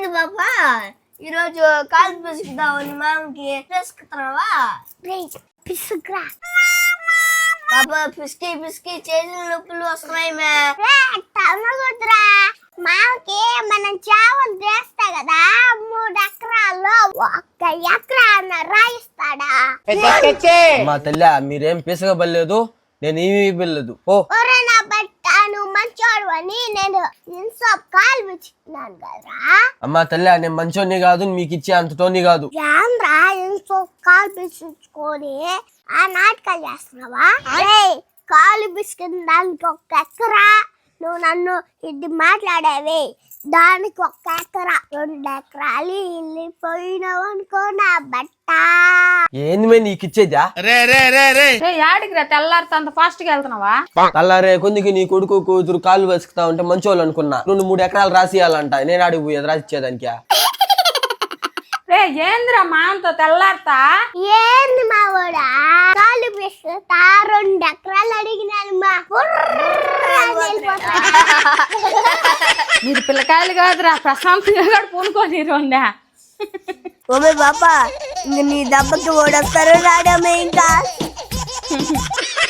ఏంది బాబా ఈరోజు కాలు పిసుకుదామని మామకి పిసుకుతున్నావా? పిసుకురా బాబా, పిసికి పిసికి చేతుల నొప్పులు వస్తున్నాయి. తమ్మగుతురా మామకి మనం చావలు చేస్తా కదా 3 ఎకరాల్లో 1 ఎకరా రాయిస్తాడా? మా తల్లి మీరేం పిసగబడలేదు, నేను ఏమీ ఇవ్వలేదు. ఓ నా బట్ట నువ్వు మంచోడు అని నేను ఇన్సాప్ కాలు పిచ్చుకున్నాను కదరా. అమ్మా తల్లి నేను మంచోని కాదు, మీకు ఇచ్చే అంతటోని కాదు. ఏంద్రా ఇన్సాప్ కాలు పిచ్చుకొని ఆ నాటకాలు చేస్తున్నావా? కాలు పిసుకున్న దానికి 1 ఎకరా, నువ్వు నన్ను ఇది మాట్లాడేవి దానికి 1 ఎకరా 2 ఎకరాలు వెళ్ళిపోయినావు అనుకో నా బట్ట. ఏంది మే నీకు ఇచ్చేదా? యాడికి రా తెల్లారితో అంత ఫాస్ట్ గా వెళ్తున్నావా? అల్లారే కొందికి నీ కొడుకు కూతురు కాలు వెసుకుతా ఉంటే మంచోళ్ళు అనుకున్నా. నువ్వు 3 ఎకరాలు రాసియాలంట, నేను ఆడికి పోయేది రాసిచ్చేదానికి. రే ఏందిరా మామతో తెల్లారితా? ఏంది మా కూడా కాలు పిసుకుతా 2 ఎకరాలు అడిగినాను మా. మీరు పిల్లకాయలు కాదురా, ప్రశాంతంగా కూడా పూనుకొని రండా. ఓమే బాబా, ఇంక నీ దెబ్బకి ఓడొస్తారు రాడమే ఇంకా.